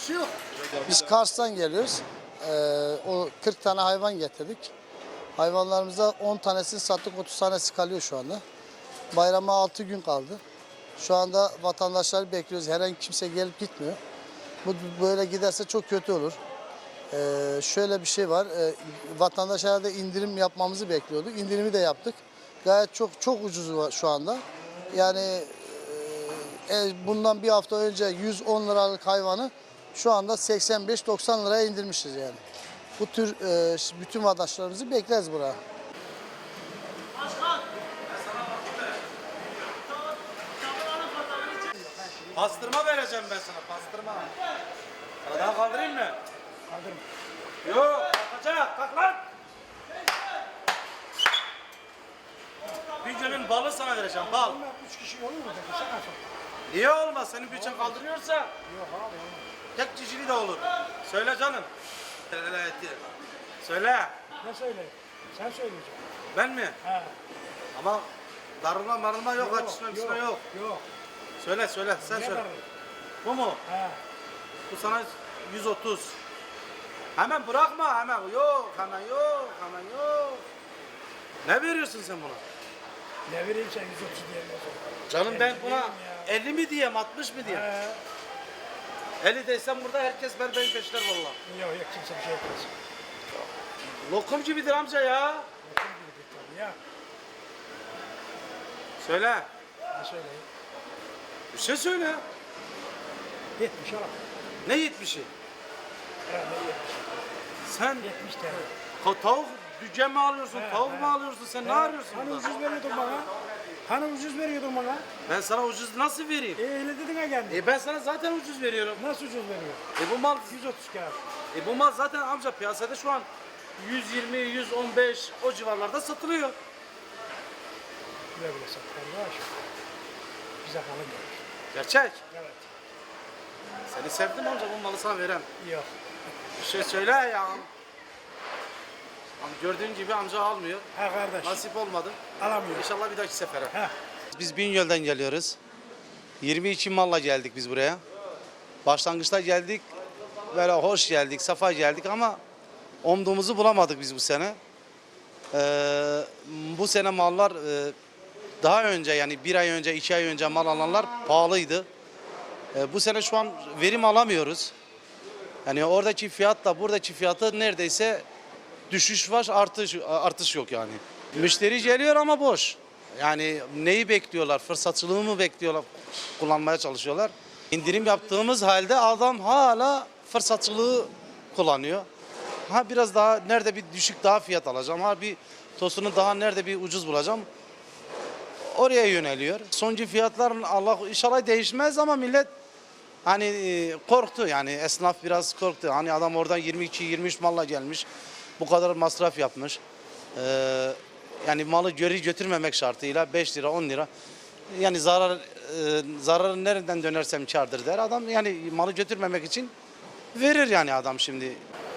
Biz Kars'tan geliyoruz. O 40 tane hayvan getirdik. Hayvanlarımıza 10 tanesini sattık, 30 tanesi kalıyor şu anda. Bayrama 6 gün kaldı. Şu anda vatandaşları bekliyoruz. Herhangi kimse gelip gitmiyor. Bu böyle giderse çok kötü olur. Şöyle bir şey var. Vatandaşlara da indirim yapmamızı bekliyorduk. İndirimi de yaptık. Gayet çok ucuz şu anda. Yani bundan bir hafta önce 110 liralık hayvanı şu anda 85-90 liraya indirmişiz yani. Bu tür bütün vatandaşlarımızı bekleriz buraya. Pastırma vereceğim ben sana, pastırma. Sana daha kaldırayım mı? Kaldırım. Yok, kalkacak, kalk lan. Bir günün balı sana vereceğim, bal. 3 kişi olur mu peki? Sen nasıl? Niye olmaz? Senin bütçen kaldırıyorsa Yok abi olmaz. tek cicili de olur. Söyle canım. Söyle. Ne söyleyeyim? Sen söyleyeceksin. Ben mi? He. Ama darılma marılma yok, açışma yok. Yok. Söyle, sen Ne söyle. var? Bu mu? He. Bu sana 130. Hemen bırakma hemen. Yok, hemen yok. Ne veriyorsun sen buna? Ne vereyim sen 130 diyemiyorsun. Canım ben 50 buna diyeyim ya. 50 mi diyeyim, 60 mı diyeyim? He. 50 desem burada herkes benim peşler valla. Yok kimse bir şey yapmaz. Lokum gibidir amca ya. Bakın gibi tabii ya. Söyle. Ne söyleyeyim? Bir şey söyle. 70 al. Ne 70'i? Herhalde 70. Sen 70 TL. tavuk dükken mi alıyorsun, He, tavuk he. mu alıyorsun, sen ne arıyorsun Hani burada? ucuz veriyordun bana? Hani ucuz veriyordun bana? Ben sana ucuz nasıl vereyim? Öyle dedin ha kendin. Ben sana zaten ucuz veriyorum. Nasıl ucuz veriyor? Bu mal 130 kağıt. bu mal zaten amca piyasada şu an 120, 115 o civarlarda satılıyor. Güle güle sat kardeş. Bize kalın gelir. Gerçek. Evet. Seni sevdim amca, bu malı sana verem. Yok. Bir şey söyle ya. Ama gördüğün gibi amca almıyor. Ha kardeş. Nasip olmadı. Alamıyor. İnşallah bir dahaki sefere. Ha. Biz Bingöl'den geliyoruz. 22 malla geldik biz buraya. Başlangıçta geldik. Böyle hoş geldik, safa geldik ama umduğumuzu bulamadık biz bu sene. Bu sene mallar daha önce, yani bir ay önce, 2 ay önce mal alanlar pahalıydı. Bu sene şu an verim alamıyoruz. Yani oradaki fiyatla buradaki fiyatı neredeyse düşüş var, artış yok yani. Müşteri geliyor ama boş. Yani neyi bekliyorlar? Fırsatçılığı mı bekliyorlar? Kullanmaya çalışıyorlar. İndirim yaptığımız halde adam hala fırsatçılığı kullanıyor. Ha biraz daha nerede bir düşük daha fiyat alacağım. Ha bir tosunu daha nerede bir ucuz bulacağım. Oraya yöneliyor. Soncu fiyatların Allah inşallah değişmez ama millet hani korktu, yani esnaf biraz korktu. Hani adam oradan 22-23 malla gelmiş. Bu kadar masraf yapmış. Yani malı geri götürmemek şartıyla 5 lira 10 lira. Yani zararı nereden dönersem kârdır der. Adam yani malı götürmemek için verir yani adam şimdi.